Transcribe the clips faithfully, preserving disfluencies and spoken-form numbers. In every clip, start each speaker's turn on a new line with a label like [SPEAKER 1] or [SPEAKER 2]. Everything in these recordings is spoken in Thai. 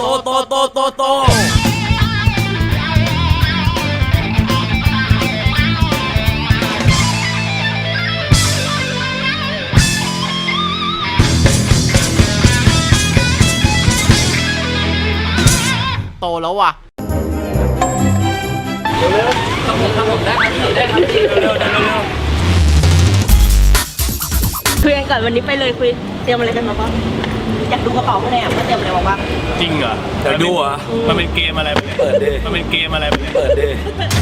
[SPEAKER 1] โตโตโตโตโตแล้วว่ะเร็วๆทำผมทำผมได้ครับพี่ได้ครับพี่เร็วๆเร็วๆ
[SPEAKER 2] คุยกันก่อนวันนี้ไปเลยคุยเตรียมอะไรกันมาบ้างอยากดูกระเป๋าข้างในอ่ะว่าเตรียมอะไรมาบ้าง
[SPEAKER 1] จริงเหรอเดี๋ยวดูอ่ะมันเป็นเกมอะไรเปิดดิมันเป็นเกมอะไรเปิดดิ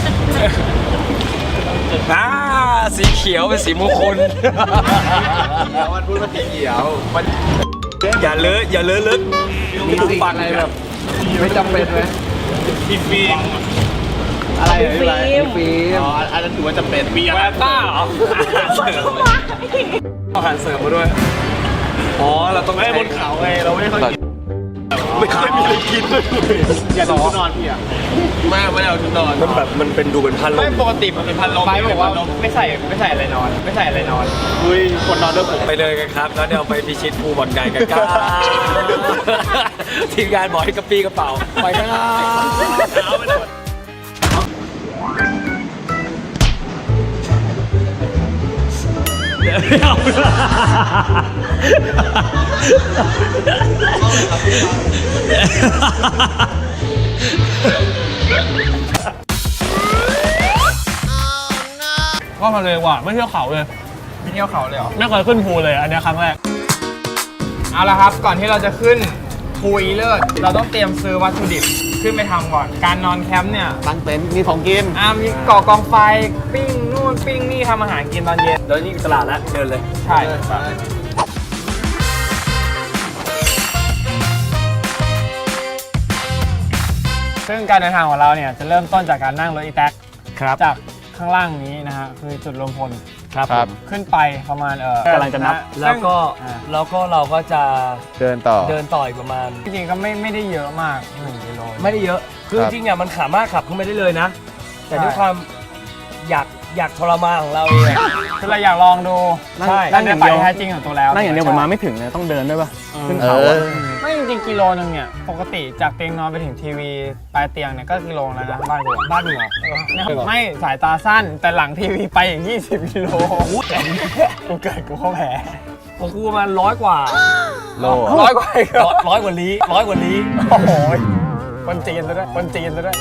[SPEAKER 3] อ่าสีเขียวเป็นสีมงคล
[SPEAKER 4] วันพูดว่าสีเขียวมัน
[SPEAKER 1] อย่าเลอะอย่าเลอะลึก
[SPEAKER 4] มีสิ่งอะไรแบบไม่จำเป็นไหม
[SPEAKER 1] พี่ฟิล์ม
[SPEAKER 4] อะไรพี่ฟิล์มฟิล์มอ๋ออันนั้นถือว่าจำเป็น
[SPEAKER 1] มีอะไรต้าเหรอ
[SPEAKER 3] อาหารเสริมมาด้วยอ๋อเราต้อง
[SPEAKER 4] ให้บนเขาไงเราไม่ค่อยกิน
[SPEAKER 1] ไม่ค่อยมีอะไรกินเลย
[SPEAKER 4] อย่าดูชุดนอนพี่อ่ะ
[SPEAKER 3] ไม่ไม่เอาชุดนอน
[SPEAKER 1] มันแบบมันเป็นดูเป็นพันลม
[SPEAKER 4] ไม่ปกติมันเป็นพันลมไปบอกว่าไม่ใส่ไม่ใส่อะไรนอนไม่ใส่อะไรนอนอุ้ยคนนอนด้วยผม
[SPEAKER 3] ไปเลยกันครับแล้วเดี๋ยวไปพิชิตภูบ่อนไก่กันครับทีมงานบอกให้กระปี้กระเป๋าไปกันครับ
[SPEAKER 1] ไม่เอาก็ทะเลว่ะไม่เที่ยวเขาเลย
[SPEAKER 4] ไม่เที่ยวเขาเลยเหรอ
[SPEAKER 1] ไม่เคยขึ้นภูเลยอันนี้ครั้งแรก
[SPEAKER 4] เอาละครับก่อนที่เราจะขึ้นภูอีเลิศเราต้องเตรียมซื้อวัตถุดิบขึ้นไปทำก่อนการนอนแคมป์เนี่ย
[SPEAKER 3] ตั้งเต็นท์มีของกิน
[SPEAKER 4] อ่ามีก่อกองไฟปิ้งนู่นปิ้งนี่ทำอาหารกินตอนเย็น
[SPEAKER 1] แล้วนี่ตลาดแล้วเดินเลย
[SPEAKER 4] ใช่ซึ่งการเดินทางของเราเนี่ยจะเริ่มต้นจากการนั่งรถอีแท็ก
[SPEAKER 1] ครับ
[SPEAKER 4] จากข้างล่างนี้นะฮะคือจุดรวมพล
[SPEAKER 1] ครับ
[SPEAKER 4] ขึ้นไปประมาณเออก
[SPEAKER 1] ำลังจะนับแล้วก็แล้วก็เราก็จะ
[SPEAKER 3] เดินต่อ
[SPEAKER 1] เดินต่ออีกประมาณ
[SPEAKER 4] จริงๆก็ไม่ไม่ได้เยอะมากหนึ่งกิโล
[SPEAKER 1] ไม่ได้เยอะคือจริงๆเนี่ยมันสามารถขับขึ้นไปได้เลยนะแต่ด้วยความอยากอยากทรมานของเราเอง
[SPEAKER 4] คือเราอยากลองดูใช่นั่งอย่างเดียวแท้จริงของตัวแล้ว
[SPEAKER 1] นั่งอย่างเดียวผมมาไม่ถึงเลยต้องเดินด้วยป่ะ
[SPEAKER 4] ขึ้นเขาไม่จริงๆกิโลนึงเนี่ยปกติจากเตียงนอนไปถึงทีวีปลายเตียงเนี่ยก็กิโลแล้วนะบ้านกู
[SPEAKER 1] บ้านมึงเหรอ
[SPEAKER 4] ไม่สายตาสั้นแต่หลังทีวีไปอย่างยี่สิบกิโลกูเกิดกูเข้าแผล
[SPEAKER 1] ของกูประมาณร้อยกว่า
[SPEAKER 3] โล
[SPEAKER 4] ร้อยกว่า
[SPEAKER 1] ร้อยกว่าลี้ร้อยกว่าลี้
[SPEAKER 4] โอ้โหคนจีนซะด้วยคนจีนซะด้วย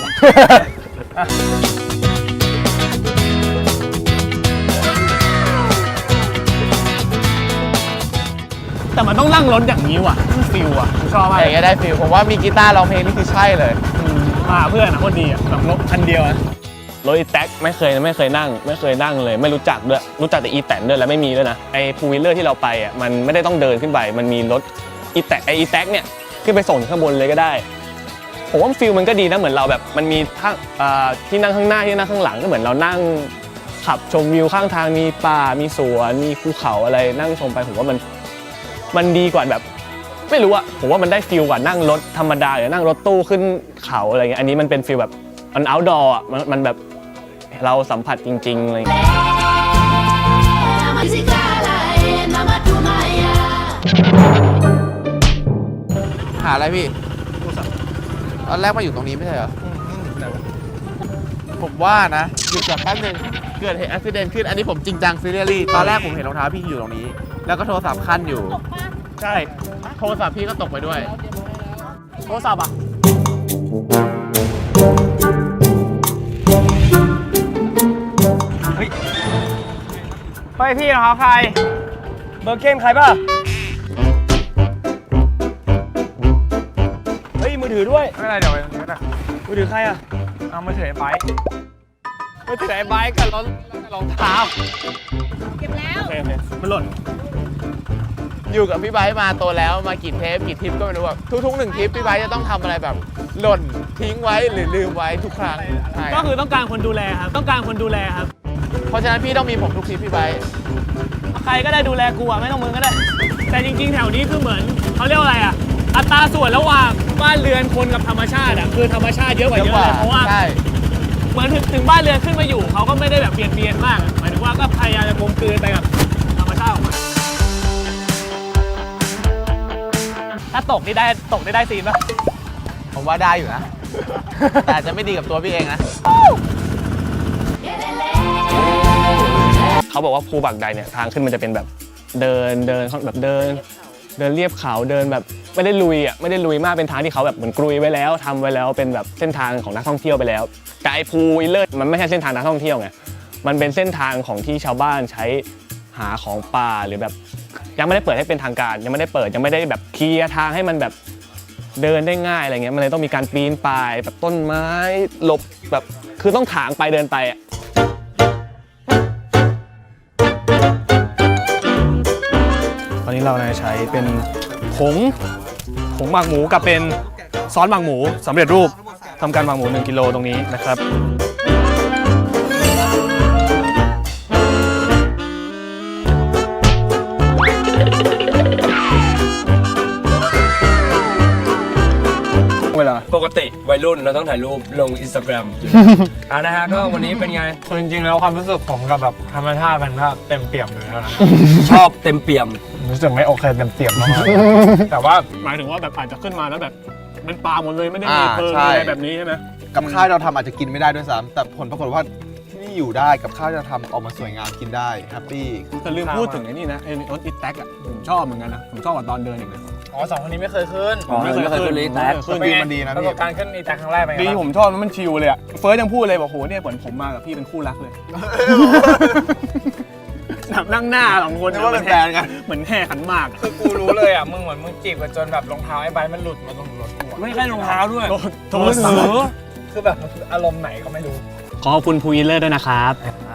[SPEAKER 4] แต่มันต้องนั่งรถอย่างนี้ว่ะมันฟิลอ่ะผมชอบมาก
[SPEAKER 3] อย่างเงี้ยได้ฟิลผมว่ามีกีตาร์ร้องเพลงนี่คือใช่เลย
[SPEAKER 4] มาเพื่อนนะคนดีอ่ะแบบรถคันเดียว
[SPEAKER 1] รถอีแท็กไม่เคยไม่เคยนั่งไม่เคยนั่งเลยไม่รู้จักด้วยรู้จักแต่อีแตนด้วยแล้วไม่มีด้วยนะไอ้พูวิลเลอร์ที่เราไปอ่ะมันไม่ได้ต้องเดินขึ้นไปมันมีรถอีแท็กไอ้อีแท็กเนี่ยขึ้นไปส่งข้างบนเลยก็ได้ผมว่าฟิลมันก็ดีนะเหมือนเราแบบมันมีข้างที่นั่งข้างหน้าที่นั่งข้างหลังก็เหมือนเรานั่งขับชมวิวข้างทางมีป่ามีสวนมีภูเขาอะไรนั่งชมไปผมว่ามันมันดีกว่าแบบไม่รู้อะผมว่ามันได้ฟิลกว่านั่งรถธรรมดาหรือนั่งรถตู้ขึ้นเขาอะไรเงี้ยอันนี้มันเป็นฟิลแบบมันเอาท์ดอร์อะมันมันแบบเราสัมผัสจริงๆอะไรเงี้ย
[SPEAKER 3] หาอะไรพี่ตอนแรกมาอยู่ตรงนี้ไม่ใช่เหรอผมว่านะหยุดก่อนแป๊บนึงเกิดเหตุอุบัติเหตุขึ้นอันนี้ผมจริงจังซีเรียสตอนแรกผมเห็นรองเท้าพี่อยู่ตรงนี้แล้วก็โทรศัพท์ขั้นอยู่
[SPEAKER 4] ใช่
[SPEAKER 3] โทรศัพท์พี่ก็ตกไปด้วย
[SPEAKER 4] โทรศัพท์อ่ะเฮ้ยเฮ้ยพี่รองเท้าใคร
[SPEAKER 1] เบอร์เก้นใครป่ะเฮ้ยมือถือด้วย
[SPEAKER 4] ไม่เป็นไรเดี๋ยวไปตรงนี้ก็ได้
[SPEAKER 1] มือถือใครอ่ะ
[SPEAKER 4] เอามือถือไอ้ไบค์มือถือไอ้ไบค์กับรองรองเท้า
[SPEAKER 2] เก็บแล้ว
[SPEAKER 1] โอเคโอเคมันหล่น
[SPEAKER 3] อยู่กับพี่ไบค์มาโตแล้วมากี่เทปกี่ทริปก็ไม่รู้แบบทุกๆหนึ่งทริปพี่ไบค์จะต้องทำอะไรแบบหล่นทิ้งไว้หรือลืมไว้ทุกครั้ง
[SPEAKER 1] ก็คือต้องการคนดูแลครับต้องการคนดูแลครับ
[SPEAKER 3] เพราะฉะนั้นพี่ต้องมีผมทุกทริปพี่ไบค์
[SPEAKER 1] ใครก็ได้ดูแลกูอ่ะไม่ต้องมึงก็ได้แต่จริงๆแถวนี้คือเหมือนเขาเรียกว่าอะไรอ่ะอัตราส่วนระหว่างบ้านเรือนคนกับธรรมชาติอ่ะคือธรรมชาติเยอะกว่าเยอะเลยเพราะว่าเหมือนถึงบ้านเรือนขึ้นมาอยู่เขาก็ไม่ได้แบบเปลี่ยนเปลี่ยนมากหมายถึงว่าก็พยายามจะกลมกลืนไปกับธรรมชาติของมันถ้าตกนี่ได้ตกได้ได้ซีนป่ะ
[SPEAKER 3] ผมว่าได้อยู่นะ แต่อาจจะไม่ดีกับตัวพี่เองนะ
[SPEAKER 1] เขาบอกว่าภูบักใดเนี่ยทางขึ้นมันจะเป็นแบบเดินเดินแบบเดิน เดินเรียบเขาเดินแบบไม่ได้ลุยอ่ะไม่ได้ลุยมากเป็นทางที่เขาแบบเหมือนกรุยไว้แล้วทำไว้แล้วเป็นแบบเส้นทางของนักท่องเที่ยวไปแล้วแต่ไอ้ภูอิเลิศมันไม่ใช่เส้นทางนักท่องเที่ยวไงมันเป็นเส้นทางของที่ชาวบ้านใช้หาของป่าหรือแบบยังไม่ได้เปิดให้เป็นทางการยังไม่ได้เปิดยังไม่ได้แบบเคลียร์ทางให้มันแบบเดินได้ง่ายอะไรเงี้ยมันเลยต้องมีการปีนป่ายแบบต้นไม้หลบแบบคือต้องถางไปเดินไปอ่ะตอนนี้เราใช้เป็นผงผงหมักหมูกับเป็นซอสหมักหมูสำเร็จรูปทำการหมักหมูหนึ่งกิโลตรงนี้นะครับเวลา
[SPEAKER 5] ปกติวัยรุ่นเราต้องถ่ายรูปลงอินสตาแกรม อ่านะฮะก็วันนี้เป็นไง
[SPEAKER 4] คือจริงๆแล้วความรู้สึกผมกับแบบธรรมชาติมันก็เต็มเปี่ยมเลยแล้วนะ
[SPEAKER 5] ชอบเต็มเปี่ยม
[SPEAKER 4] รู้สึกไม่โอเคเต็มเปี่ยมมากๆแต่ว่า
[SPEAKER 1] หมายถึงว่าแบบอาจจะขึ้นมาแล้วแบบเป็นปลาหมดเลยไม่ได้
[SPEAKER 6] อ่า
[SPEAKER 1] มีเพิง
[SPEAKER 6] ใช่
[SPEAKER 1] อะไรแบบนี้ใช่ไหม
[SPEAKER 6] กับข้าวเราทำอาจจะกินไม่ได้ด้วยซ้ำแต่ผลปรากฏว่าที่นี่อยู่ได้กับข้าวที่เราทำออกมาสวยงามกินได้แฮปปี้
[SPEAKER 1] แต่ลืมพูดถึงไอ้นี่นะไอ้รถอีแท็กอ่ะผมชอบเหมือนกันนะผมชอบกว่าตอนเดินอีกนะ
[SPEAKER 4] อ๋อสองคนนี้ไม่เคยขึ้น
[SPEAKER 5] อ๋อไม่เคยขึ้นเลยแท็ก
[SPEAKER 6] เครื่องบินมันดีนะ
[SPEAKER 4] ประ
[SPEAKER 6] พี่
[SPEAKER 4] สบการณ์ขึ้นอีแท็กครั้งแรกเป็นไง
[SPEAKER 1] ดี
[SPEAKER 4] บ้าง
[SPEAKER 1] ผมชอบมันชิลเลยอ่ะเฟิร์สยังพูดเลยบอกโหเนี่ยเหมือนผมมากับพี่เป็นคู่รักเลยแบบนั่งหน้าสองคน
[SPEAKER 6] นึกว่าเป็นแฟนกัน
[SPEAKER 1] เหมือนแห่ขันหมากอะ
[SPEAKER 4] คือกูรู้เลยอ่ะมึงเหมือนมึงจีบกันจนแบบรองเท้าไอ้ใบมันหลุดมาตรงรถกูอะ
[SPEAKER 5] ไม่ใช่รองเท้าด้วย
[SPEAKER 1] โทรศัพท์
[SPEAKER 4] คือแบบมันคืออารมณ์ไหนก็ไม่รู้
[SPEAKER 1] ขอบคุณพูอิเลอร์ด้วยนะครับ
[SPEAKER 4] อ่